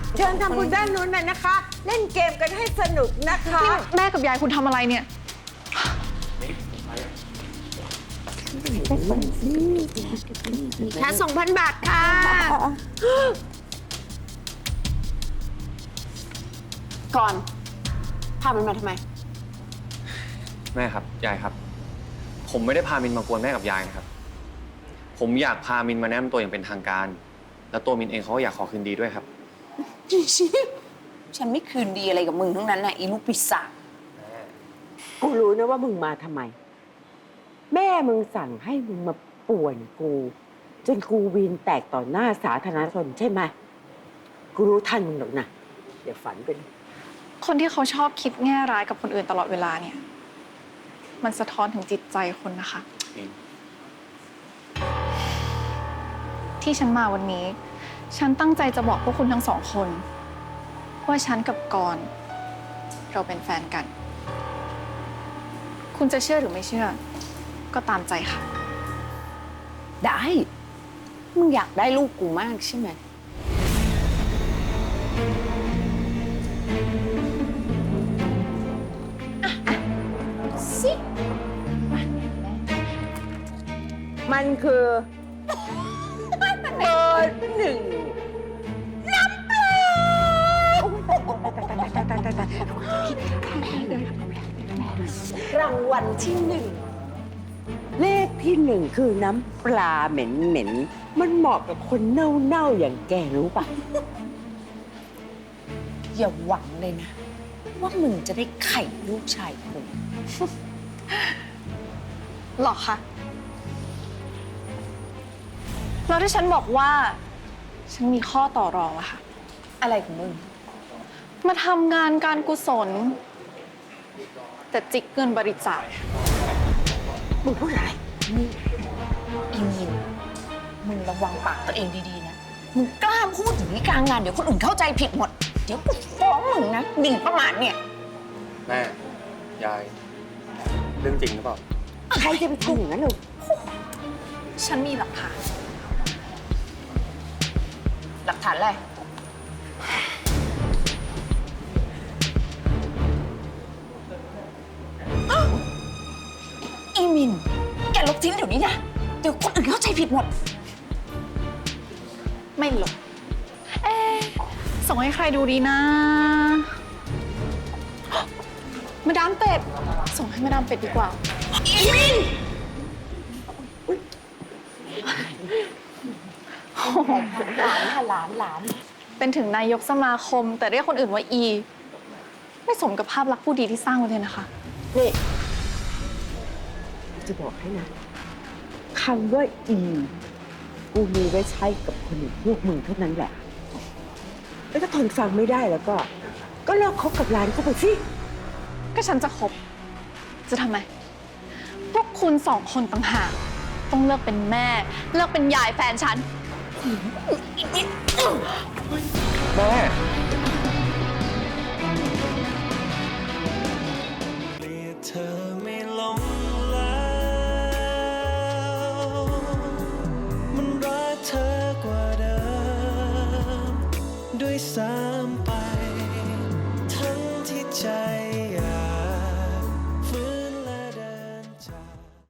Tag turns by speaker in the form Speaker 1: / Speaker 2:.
Speaker 1: เชิญทำบุญด้านนู้นน่ะนะคะ เล่นเกมกันให้สนุกนะคะ
Speaker 2: แม่กับยายคุณทำอะไรเนี่ย
Speaker 1: ค่า2,000 บาทค่ะ
Speaker 3: ก่อนพามันมาทำไม
Speaker 4: แม่ครับยายครับ ผมไม่ได้พามินมากวนแม่กับยายนะครับ ผมอยากพามินมาแนะนำตัวอย่างเป็นทางการ แล้วตัวมินเองเขาก็อยากขอคืนดีด้วยครับ
Speaker 3: ฉันไม่คืนดีอะไรกับมึงทั้งนั้นน่ะอีลูกปีศาจ
Speaker 1: กูรู้นะว่ามึงมาทำไม แม่มึงสั่งให้มึงมาป่วนกู จนกูวีนแตกต่อหน้าสาธารณชนใช่ไหมกูรู้ทันมึงหรอกนะเดี๋ยวฝันเป็น
Speaker 2: คนที่เขาชอบคิดแง่ร้ายกับคนอื่นตลอดเวลาเนี่ย มันสะท้อนถึงจิตใจคนนะคะ ที่ฉันมาวันนี้ ฉันตั้งใจจะบอกพวกคุณทั้งสองคน ว่าฉันกับกรณ์เราเป็นแฟนกัน คุณจะเชื่อหรือไม่เชื่อ ก็ตามใจค่ะ
Speaker 3: ได้ มึงอยากได้ลูกกูมากใช่ไหมสิ
Speaker 1: มันคือเบอร์หนึ่งรางวัลที่หนึ่งเลขที่หนึ่งคือน้ำปลาเหม็นๆมันเหมาะกับคนเน่าๆอย่างแกรู้ปะ
Speaker 3: อย่าหวังเลยนะ ว่ามึงจะได้ไข่ลูกชายกู
Speaker 2: หรอคะแล้วที่ฉันบอกว่า ฉันมีข้อต่อรองอะค่ะ
Speaker 3: อะไรของมึง
Speaker 2: มาทำงานการกุศล แต่จิกเงินบริจาค
Speaker 1: มึงพูดอะไร
Speaker 3: นี่อีมินมึงระวังปากตัวเองดีๆนะ มึงกล้าพูดอย่างนี้กลางงานเดี๋ยวคนอื่นเข้าใจผิดหมด เดี๋ยวกูฟ้องมึงนะหมิ่นประมาทเนี่ย
Speaker 4: แม่ ยาย เรื่องจริงหรือเปล่า
Speaker 1: ใครจะไปทำอย่างนั้นหรอ
Speaker 2: ฉันมีหลักฐาน
Speaker 3: หลักฐานอะไรอ้าวอีมิน แกลบทิ้งเดี๋ยวนี้นะ เดี๋ยวคนอื่นเข้าใจผิดหมด
Speaker 2: ไม่หลบส่งให้ใครดูดีนะ มาดามเป็ด ส่งให้มาดามเป็ดดีกว่า
Speaker 3: อีมิน หลานค่ะหลาน
Speaker 2: เป็นถึงนายกสมาคม แต่เรียกคนอื่นว่าอี ไม่สมกับภาพลักษณ์ผู้ดีที่สร้างไว้เลยนะคะ
Speaker 1: นี่จะบอกให้นะคำว่าอีกูมีไว้ใช้กับคนอื่นพวกมึงเท่านั้นแหละ แล้วถ้าทนฟังไม่ได้แล้วก็เลิกคบกับร้านเขาไปสิ
Speaker 2: ก็ฉันจะคบ จะทำไม พวกคุณสองคนต่างหากต้องเลิกเป็นแม่ เลิกเป็นยายแฟนฉัน
Speaker 4: แม่